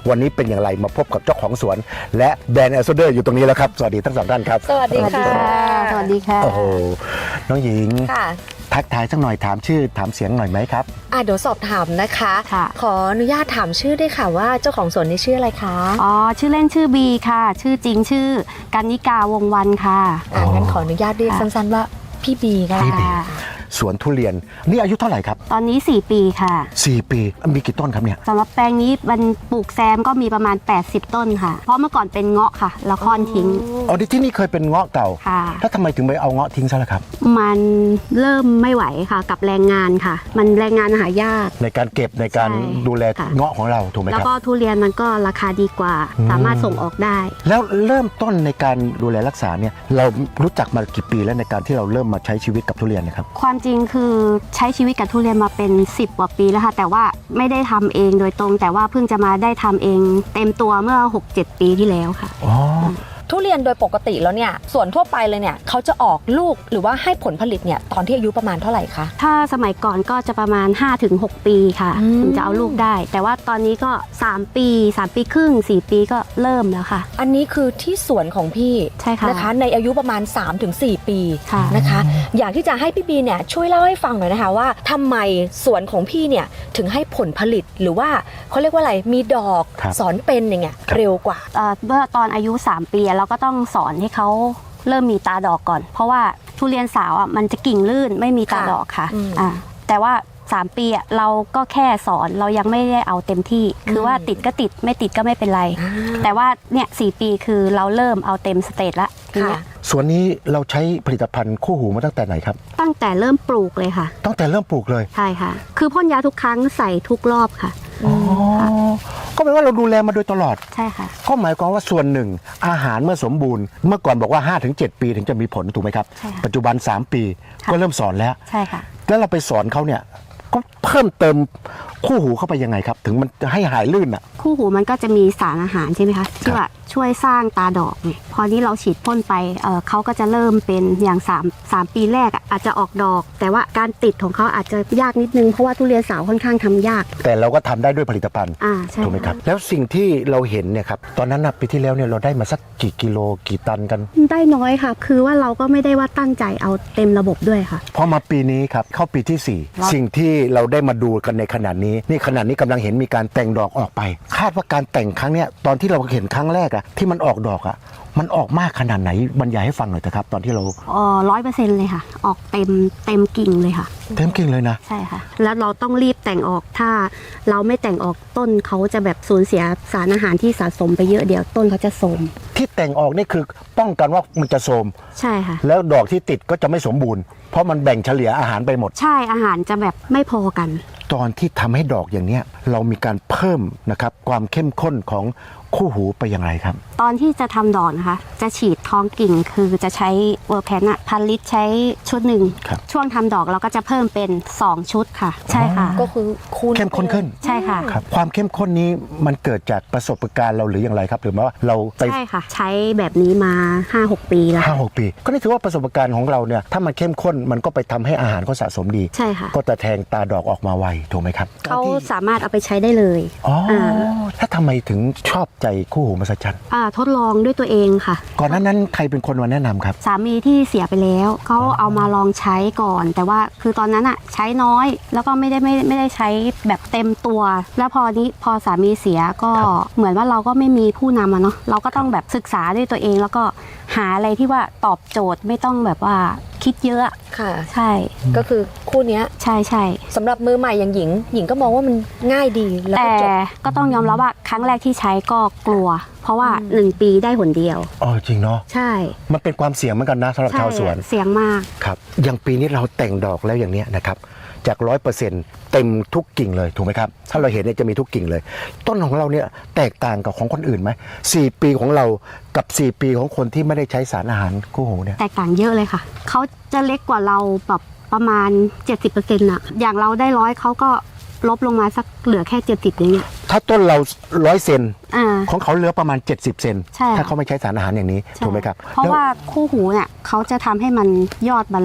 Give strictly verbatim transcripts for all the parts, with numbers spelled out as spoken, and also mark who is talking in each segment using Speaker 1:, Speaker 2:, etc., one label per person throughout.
Speaker 1: วันนี้เป็นอย่างไรมาพบกับเจ้าของสวนและแบรนด์แอมบาสเดอร์อยู่ตรงนี้แล้วครับสวัสดีทั้งสองท่านครับ
Speaker 2: สวัสดีค่ะ
Speaker 3: สวัสดีค่ะ
Speaker 1: โอ้โหน้องหญิง
Speaker 2: ค่ะ
Speaker 1: ทักทายสักหน่อยถามชื่อถามเสียงหน่อยไหมครับ
Speaker 2: อ่ะเดี๋ยวสอบถามนะคะขออนุญาตถามชื่อได้ค่ะว่าเจ้าของสวนนี้ชื่ออะไรคะ
Speaker 3: อ๋อชื่อเล่นชื่อบีค่ะชื่อจริงชื่อกันนิกาวงวันค่ะ
Speaker 2: อ่ะงั้นขออนุญาตเรียกสั้นๆว่าพี่บีก็ได้ค่ะ
Speaker 1: สวนทุเรียนนี่อายุเท่าไหร่ครับ
Speaker 3: ตอนนี้สี่ปีค่ะ
Speaker 1: สี่ปีมีกี่ต้นครับเนี่ย
Speaker 3: สำหรับแปลงนี้มันปลูกแซมก็มีประมาณแปดสิบต้นค่ะเพราะเมื่อก่อนเป็นเงาะค่ะแล้วค่อนทิ้ง
Speaker 1: อ๋อที่นี่เคยเป็นเงาะเก่า
Speaker 3: ค่ะ
Speaker 1: แล้วทำไมถึงไปเอาเงาะทิ้งซะล่ะครับ
Speaker 3: มันเริ่มไม่ไหวค่ะกับแรงงานค่ะมันแรงงานหายาก
Speaker 1: ในการเก็บในการดูแลเงาะของเราถูกไหมครับ
Speaker 3: แล้วก็ทุเรียนมันก็ราคาดีกว่าสามารถส่งออกได้
Speaker 1: แล้วเริ่มต้นในการดูแลรักษาเนี่ยเรารู้จักมากี่ปีแล้วในการที่เราเริ่มมาใช้ชีวิตกับทุเรียนนะครับ
Speaker 3: ความจริงคือใช้ชีวิตกับทุเรียนมาเป็นสิบกว่าปีแล้วค่ะแต่ว่าไม่ได้ทำเองโดยตรงแต่ว่าเพิ่งจะมาได้ทำเองเต็มตัวเมื่อ หกเจ็ด ปีที่แล้วค่ะ
Speaker 1: อ๋อ
Speaker 2: ทุเรียนโดยปกติแล้วเนี่ยส่วนทั่วไปเลยเนี่ยเขาจะออกลูกหรือว่าให้ผลผลิตเนี่ยตอนที่อายุประมาณเท่าไหร่คะ
Speaker 3: ถ้าสมัยก่อนก็จะประมาณ ห้าถึงหก ปีค่ะถึงจะเอาลูกได้แต่ว่าตอนนี้ก็สามปีสามปีครึ่งสี่ปีก็เริ่มแล้วค่ะ
Speaker 2: อันนี้คือที่สวนของพี่
Speaker 3: ใช่ค่ะ
Speaker 2: นะคะในอายุประมาณ สามถึงสี่ ปีนะคะอยากที่จะให้พี่บีเนี่ยช่วยเล่าให้ฟังหน่อยนะคะว่าทำไมสวนของพี่เนี่ยถึงให้ผลผลิตหรือว่าเขาเรียกว่าอะไรมีดอกสอนเป็นอย่างเงี้ยเร็วกว่า
Speaker 3: เมื่อตอนอายุสามปีเราก็ต้องสอนให้เขาเริ่มมีตาดอกก่อนเพราะว่าทุเรียนสาวอ่ะมันจะกิ่งลื่นไม่มีตาดอกค่ะอ่าแต่ว่าสามปีอ่ะเราก็แค่สอนเรายังไม่ได้เอาเต็มที่คือว่าติดก็ติดไม่ติดก็ไม่เป็นไรแต่ว่าเนี่ยสี่ปีคือเราเริ่มเอาเต็มสเตจละทีเนี้ย
Speaker 1: ส่วนนี้เราใช้ผลิตภัณฑ์คู่หูมาตั้งแต่ไหนครับ
Speaker 3: ตั้งแต่เริ่มปลูกเลยค่ะ
Speaker 1: ตั้งแต่เริ่มปลูกเลย
Speaker 3: ใช่ค่ะคือพ่นยาทุกครั้งใส่ทุกรอบค่ะ
Speaker 1: อ๋อก็แปลว่าเราดูแลมาโดยตลอด
Speaker 3: ใช่ค่ะ
Speaker 1: ก็หมายความว่าส่วนหนึ่งอาหารเมื่อสมบูรณ์เมื่อก่อนบอกว่า ห้าถึงเจ็ด ปีถึงจะมีผลถูกไหมครับปัจจุบันสามปีก็เริ่มสอนแล้ว
Speaker 3: ใช่ค่ะ
Speaker 1: แล้วเราไปสอนเขาเนี่ยก็เพิ่มเติมคู่หูเข้าไปยังไงครับถึงมันจะให้หายลื่นอ่ะ
Speaker 3: คู่หูมันก็จะมีสารอาหารใช่ไหมคะที่ว่าช่วยสร้างตาดอกเนี่ยพอนี้เราฉีดพ่นไป เ, เขาก็จะเริ่มเป็นอย่าง3 3ปีแรกอาจจะออกดอกแต่ว่าการติดของเขาอาจจะยากนิดนึงเพราะว่าทุเรียนสาวค่อนข้างทำยาก
Speaker 1: แต่เราก็ทำได้ด้วยผลิตภัณฑ์ถูกไหมครับแล้วสิ่งที่เราเห็นเนี่ยครับตอนนั้นนะปีที่แล้วเนี่ยเราได้มาสักกี่กิโลกี่ตันกัน
Speaker 3: ได้น้อยค่ะคือว่าเราก็ไม่ได้ว่าตั้งใจเอาเต็มระบบด้วยค่ะ
Speaker 1: พอมาปีนี้ครับเข้าปีที่สี่สิ่งที่เราได้มาดูกันในขณะนี้นี่ขณะนี้กำลังเห็นมีการแต่งดอกออกไปคาดว่าการแต่งครั้งเนี้ยตอนที่เราเห็นครั้งแรกอะที่มันออกดอกอะมันออกมากขนาดไหนบรรยายให้ฟังหน่อยเถอะครับตอนที่เรา
Speaker 3: อ๋อร้อยเปอร์เซ็นต์เลยค่ะออกเต็มเต็มกิ่งเลยค่ะ
Speaker 1: เต็มกิ่งเลยนะ
Speaker 3: ใช่ค่ะแล้วเราต้องรีบแต่งออกถ้าเราไม่แต่งออกต้นเขาจะแบบสูญเสียสารอาหารที่สะสมไปเยอะเดี๋ยวต้นเขาจะโทรม
Speaker 1: ที่แต่งออกนี่คือป้องกันว่ามันจะโทรม
Speaker 3: ใช่ค่ะ
Speaker 1: แล้วดอกที่ติดก็จะไม่สมบูรณ์เพราะมันแบ่งเฉลี่ยอาหารไปหมด
Speaker 3: ใช่อาหารจะแบบไม่พอกัน
Speaker 1: ตอนที่ทำให้ดอกอย่างเนี้ยเรามีการเพิ่มนะครับความเข้มข้นของคู่หูไปอย่างไรครับ
Speaker 3: ตอนที่จะทำดอกนะคะจะฉีดท้องกิ่งคือจะใช้เวอร์แพนอะพันลิตรใช้ชุดหนึ่งช่วงทำดอกเราก็จะเพิ่มเป็นสองชุดค่ะใช่ค่ะ
Speaker 2: ก็คือคูณ
Speaker 1: เข้มข้นขึ้น
Speaker 3: ใช่ค่ะ
Speaker 1: ครับความเข้มข้นนี้มันเกิดจากประสบการณ์เราหรืออย่างไรครับหรือว่าเรา
Speaker 3: ไปใช่ค่ะใช้แบบนี้มา ห้าหก ปีแล้ว
Speaker 1: ห้าหก ปีก็นี่ถือว่าประสบการณ์ของเราเนี่ยถ้ามันเข้มข้นมันก็ไปทำให้อาหารเขาสะสมดี
Speaker 3: ใช่ค่ะ
Speaker 1: ก็จะแทงตาดอกออกมาไวถูกไหมครับ
Speaker 3: เขาสามารถเอาไปใช้ได้เลย
Speaker 1: อ๋อถ้าทำไมถึงชอบใจคู่หูมหัศจรรย์
Speaker 3: อ่าทดลองด้วยตัวเองค่ะ
Speaker 1: ก่อนหน้านั้นใครเป็นคนมาแนะนำครับ
Speaker 3: สามีที่เสียไปแล้วเขาเอามาลองใช้ก่อนแต่ว่าคือตอนนั้นอะใช้น้อยแล้วก็ไม่ได้ไม่ไม่ได้ใช้แบบเต็มตัวแล้วพอนี้พอสามีเสียก็เหมือนว่าเราก็ไม่มีผู้นำอะเนาะเราก็ต้องแบบศึกษาด้วยตัวเองแล้วก็หาอะไรที่ว่าตอบโจทย์ไม่ต้องแบบว่าคิดเยอะ
Speaker 2: ค่ะ
Speaker 3: ใช่
Speaker 2: ก็คือคู่นี้
Speaker 3: ใช่ใช่
Speaker 2: สำหรับมือใหม่อย่างหญิงหญิงก็มองว่ามันง่ายดี
Speaker 3: แล้วแต่ก็ต้องยอมรับว่าครั้งแรกที่ใช้ก็กลัวเพราะว่าหนึ่งปีได้หนเดียว
Speaker 1: อ๋อจริงเนาะ
Speaker 3: ใช่
Speaker 1: มันเป็นความเสี่ยงเหมือนกันนะสำหรับชาวสวน
Speaker 3: เสี่ยงมาก
Speaker 1: ครับอย่างปีนี้เราแต่งดอกแล้วอย่างเนี้ยนะครับจาก ร้อยเปอร์เซ็นต์ เต็มทุกกิ่งเลยถูกไหมครับถ้าเราเห็นเนี่ยจะมีทุกกิ่งเลยต้นของเราเนี่ยแตกต่างกับของคนอื่นไหมสี่ปีของเรากับสี่ปีของคนที่ไม่ได้ใช้สารอาหารคู่หูเนี่ย
Speaker 3: แตกต่างเยอะเลยค่ะเขาจะเล็กกว่าเราแบบประมาณ เจ็ดสิบเปอร์เซ็นต์ น่ะอย่างเราได้ร้อยเขาก็ลบลงมาสักเหลือแค่เจ็ดสิบอย่างเงี้ย
Speaker 1: ถ้าต้นเราร้อยเซนของเขาเหลือประมาณเจ็ดสิบเซนถ้าเขาไม่ใช้สารอาหารอย่างนี้ถูกไหมครับ
Speaker 3: เพราะว่าคู่หูเนี่ยเขาจะทำให้มันยอดบรรลัด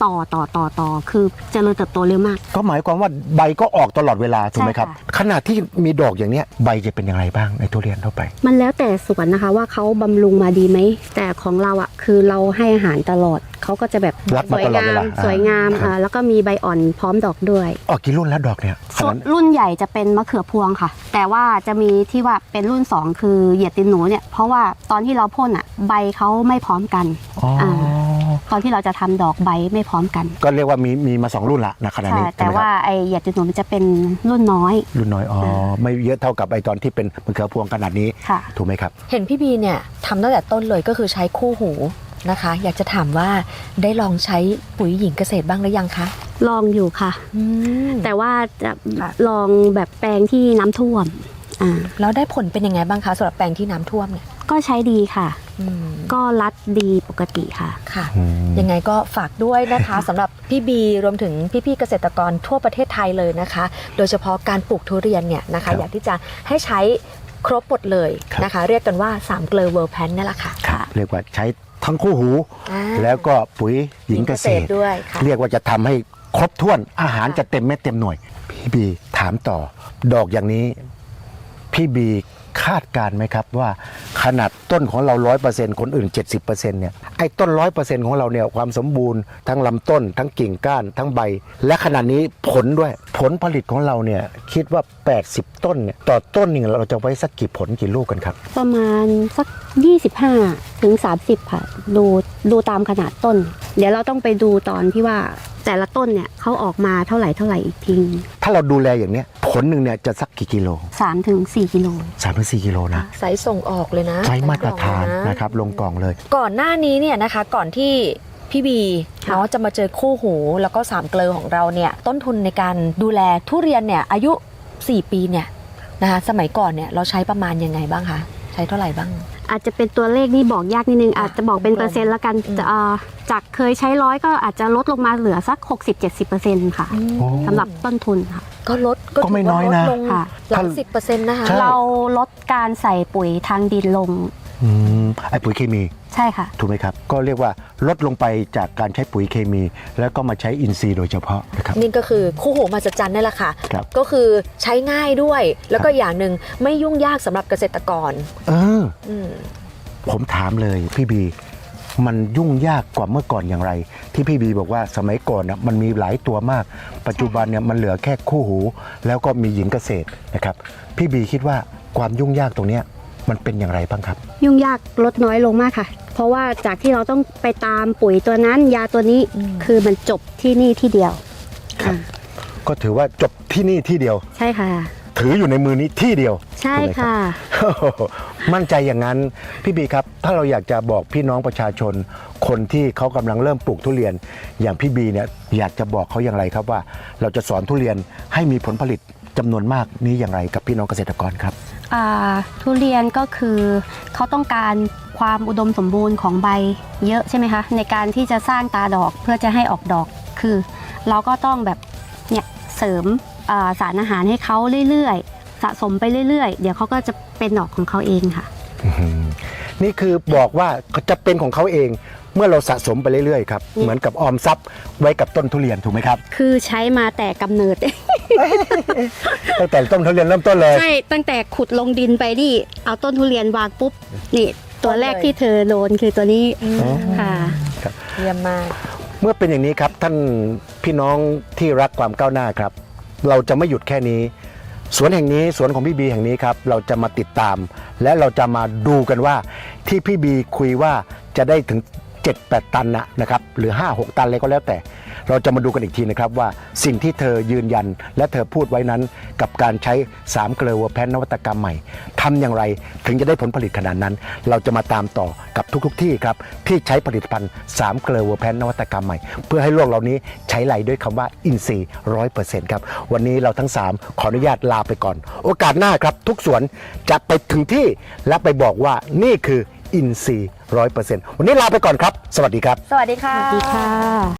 Speaker 3: ต่อต่อต่อต่อคือเจริญเติบโตเร็วมาก
Speaker 1: ก็หมายความว่าใบก็ออกตลอดเวลาถูกไหมครับ
Speaker 3: ใช่ค่ะ
Speaker 1: ขณะที่มีดอกอย่างเนี้ยใบจะเป็นอย่างไรบ้างในทุเรียนทั่วไป
Speaker 3: มันแล้วแต่สวนนะคะว่าเขาบำรุงมาดีไหมแต่ของเราอ่ะคือเราให้อาหารตลอดเขาก็จะแบบ
Speaker 1: รับ
Speaker 3: ส
Speaker 1: มา
Speaker 3: วย
Speaker 1: ตลอด
Speaker 3: งา
Speaker 1: เว
Speaker 3: ม
Speaker 1: ลา
Speaker 3: สวยงาม
Speaker 1: ครับ
Speaker 3: อ่าแล้วก็มีใบอ่อนพร้อมดอกด้วย
Speaker 1: ออกกี่รุ่นแล้วดอกเนี่ยขนาด
Speaker 3: รุ่นใหญ่จะเป็นมะเขือพวงค่ะ แต่ว่าจะมีที่ว่าเป็นรุ่นสองคือเหยียดตินหนูเนี่ยเพราะว่าตอนที่เราพ่นอ่ะใบเขาไม่พร้อมกัน
Speaker 1: อ๋ออ่
Speaker 3: าตอนที่เราจะทำดอกใบไม่พร้อมกัน
Speaker 1: ก็เรียกว่ามีมีมาสองรุ่นละนะขณะ
Speaker 3: ใช่
Speaker 1: นี้
Speaker 3: แต่
Speaker 1: ใช่ไหมค
Speaker 3: ว่า
Speaker 1: รับ
Speaker 3: ไอเหยียดตินหนูมันจะเป็นรุ่นน้อย
Speaker 1: รุ่นน้อยอ๋อไม่เยอะเท่ากับไอตอนที่เป็นมะเขือพวงขนาดนี้
Speaker 3: ค่ะ
Speaker 1: ถูกไหมครับ
Speaker 2: เห็นพี่บีเนี่ยทำตั้งแต่ต้นเลยก็คือใช้คู่หูนะคะ อยากจะถามว่าได้ลองใช้ปุ๋ยหญิงเกษตรบ้างหรือยังคะ
Speaker 3: ลองอยู่ค่ะ
Speaker 2: อืม
Speaker 3: แต่ว่าจะ
Speaker 2: ค่ะ
Speaker 3: ลองแบบแปลงที่น้ำท่วมอ่า
Speaker 2: แล้วได้ผลเป็นยังไงบ้างคะสำหรับแปลงที่น้ำท่วมเนี่ย
Speaker 3: ก็ใช้ดีค่ะ
Speaker 2: อืม
Speaker 3: ก็รัดดีปกติค่ะ
Speaker 2: ค่ะ
Speaker 1: อืม
Speaker 2: ยังไงก็ฝากด้วยนะคะ สำหรับพี่บีรวมถึงพี่ๆเกษตรกรทั่วประเทศไทยเลยนะคะ โดยเฉพาะการปลูกทุเรียนเนี่ยนะ
Speaker 1: ครั
Speaker 2: คะ
Speaker 1: บ
Speaker 2: อยากที่จะให้ใช้ครบหมดเลย
Speaker 1: ครับ
Speaker 2: นะคะ เรียกกันว่าสามเกลอเวิร์แพนนี่แหละค่ะ
Speaker 1: ครับเรียกว่าใช้ทั้งคู่หู
Speaker 2: อ่า
Speaker 1: แล้วก็ปุ๋ยหญิงเกษตร
Speaker 2: ด้วยค่ะ
Speaker 1: เรียกว่าจะทำให้ครบถ้วนอาหารจะเต็มเม็ดเต็มหน่วย พี่บีถามต่อ ดอกอย่างนี้ พี่บีคาดการณ์ไหมครับว่าขนาดต้นของเราร้อยเปอร์เซ็นต์คนอื่นเจ็ดสิบเปอร์เซ็นต์เนี่ยไอ้ต้นร้อยเปอร์เซ็นต์ของเราเนี่ยความสมบูรณ์ทั้งลำต้น ทั้งกิ่งก้านทั้งใบ และขนาดนี้ผลด้วยผลผลิตของเราเนี่ยคิดว่าแปดสิบต้นเนี่ยต่อต้นหนึ่งเราจะไว้สักกี่ผลกี่ลูกกันครับ
Speaker 3: ประมาณสัก ยี่สิบห้าถึงสามสิบ ค่ะ ดูดูตามขนาดต้น เดี๋ยวเราต้องไปดูตอนที่ว่าแต่ละต้นเนี่ยเขาออกมาเท่าไหร่เท่าไหร่อีกที
Speaker 1: ถ้าเราดูแลอย่างเนี้ยผลหนึ่งเนี่ยจะสักกี่กิโล
Speaker 3: สามถึงสี่กิโล
Speaker 1: สามถึงสี่กิโลนะ
Speaker 2: ไซส์ส่งออกเลยนะ
Speaker 1: ใช้มาตรฐาน
Speaker 2: ใส่กล่องเลย
Speaker 1: นะครับลงกล่องเลย
Speaker 2: ก่อนหน้านี้เนี่ยนะคะก่อนที่พี่บี
Speaker 3: ค่ะ
Speaker 2: เนาะจะมาเจอคู่หูแล้วก็สามเกลอของเราเนี่ยต้นทุนในการดูแลทุเรียนเนี่ยอายุสี่ปีเนี่ยนะคะสมัยก่อนเนี่ยเราใช้ประมาณยังไงบ้างคะใช้เท่าไหร่บ้าง
Speaker 3: อาจจะเป็นตัวเลขนี่บอกยากนิดนึง อาจจะบอกเป็นเปอร์เซ็นต์ละกัน
Speaker 2: อืม
Speaker 3: จะเอ่อจากเคยใช้ร้อยก็อาจจะลดลงมาเหลือสัก หกสิบถึงเจ็ดสิบเปอร์เซ็นต์ ค่ะ
Speaker 1: โอ้
Speaker 3: สำหรับต้นทุนค่ะ
Speaker 2: ก็ลด
Speaker 1: ก็ไม่น้อยนะ
Speaker 2: ถืว่าลดลง
Speaker 3: ค่ะ
Speaker 2: หลักสิบเปอร์เซ็นต์นะคะ
Speaker 1: ใช่
Speaker 3: เราลดการใส่ปุ๋ยทางดินลง
Speaker 1: อืมไอ้ปุ๋ยเคมี
Speaker 3: ใช่ค่ะ
Speaker 1: ถูกไหมครับ ก็เรียกว่าลดลงไปจากการใช้ปุ๋ยเคมี แล้วก็มาใช้อินทรีย์โดยเฉพาะนะครับ
Speaker 2: นี่ก็คือคู่หูมหัศจรรย์นี่แหละค่ะ
Speaker 1: ครับ
Speaker 2: ก็คือใช้ง่ายด้วย แล้วก็อย่างหนึ่งไม่ยุ่งยากสำหรับเกษตรกร
Speaker 1: เออ
Speaker 2: อืม
Speaker 1: ผมถามเลยพี่บี มันยุ่งยากกว่าเมื่อก่อนอย่างไร ที่พี่บีบอกว่าสมัยก่อนนะมันมีหลายตัวมาก ปัจจุบันเนี่ยมันเหลือแค่คู่หู แล้วก็มีหญิงเกษตรนะครับ พี่บีคิดว่าความยุ่งยากตรงเนี้ยมันเป็นอย่างไรบ้างครับ
Speaker 3: ยุ่งยากลดน้อยลงมากค่ะ เพราะว่าจากที่เราต้องไปตามปุ๋ยตัวนั้น ยาตัวนี้
Speaker 2: อืม
Speaker 3: คือมันจบที่นี่ที่เดียว
Speaker 1: ครับ
Speaker 3: อ่า
Speaker 1: ก็ถือว่าจบที่นี่ที่เดียว
Speaker 3: ใช่ค่ะ
Speaker 1: ถืออยู่ในมือนี้ที่เดียว
Speaker 3: ใช่
Speaker 1: ถูกไหมรับ
Speaker 3: ค่ะ
Speaker 1: มั่นใจอย่างนั้นพี่บีครับ ถ้าเราอยากจะบอกพี่น้องประชาชน คนที่เขากำลังเริ่มปลูกทุเรียน อย่างพี่บีเนี่ยอยากจะบอกเขาอย่างไรครับว่า เราจะสอนทุเรียนให้มีผลผลิตจำนวนมากนี้อย่างไรกับพี่น้องเกษตรกรครับ
Speaker 3: อ่าทุเรียนก็คือเขาต้องการความอุดมสมบูรณ์ของใบเยอะใช่ไหมคะ ในการที่จะสร้างตาดอกเพื่อจะให้ออกดอกคือ เราก็ต้องแบบเนี่ยเสริมอ่าสารอาหารให้เขาเรื่อยๆ สะสมไปเรื่อยๆ เดี๋ยวเขาก็จะเป็นดอกของเขาเองค่ะ
Speaker 1: อื้อหือนี่คือบอกว่าจะเป็นของเขาเองเมื่อเราสะสมไปเรื่อยๆครับเหมือนกับออมทรัพย์ไว้กับต้นทุเรียนถูกไหมครับ
Speaker 3: คือใช้มาแต่กำเนิด
Speaker 1: ตั้งแต่ต้นทุเรียนเริ่มต้นเลย
Speaker 3: ใช่ ตั้งแต่ขุดลงดินไปนี่เอาต้นทุเรียนวางปุ๊บนี่ตัวแรกที่เธอโดนคือตัวนี้
Speaker 1: อ๋อ
Speaker 3: ค่ะ
Speaker 2: เยี่ยมมาก
Speaker 1: เมื่อเป็นอย่างนี้ครับท่านพี่น้องที่รักความก้าวหน้าครับ เราจะไม่หยุดแค่นี้ สวนแห่งนี้สวนของพี่บีแห่งนี้ครับเราจะมาติดตาม และเราจะมาดูกันว่าที่พี่บีคุยว่าจะได้ถึง เจ็ดแปด ตันนะนะครับหรือ ห้าหก ตันเลยก็แล้วแต่ เราจะมาดูกันอีกทีนะครับว่าสิ่งที่เธอยืนยันและเธอพูดไว้นั้นกับการใช้สามเกลือวัวแพนนวัตกรรมใหม่ทำอย่างไรถึงจะได้ผลผลิตขนาดนั้น เราจะมาตามต่อกับทุกๆทที่ครับที่ใช้ผลิตภัณฑ์สามเกลือวัวแพนนวัตกรรมใหม่เพื่อให้โลกเหล่านี้ใช้ไหลด้วยคำว่าอินทรีย์ร้อยเปอร์เซ็นต์ครับวันนี้เราทั้งสามขออนุญาตลาไปก่อน โอกาสหน้าครับทุกสวนจะไปถึงที่และไปบอกว่านี่คืออินทรีย์ร้อยเปอร์เซ็นต์วันนี้ลาไปก่อนครับสวัสดีครับ
Speaker 2: สวัสดีค่ะ
Speaker 3: สวัสดีค่ะ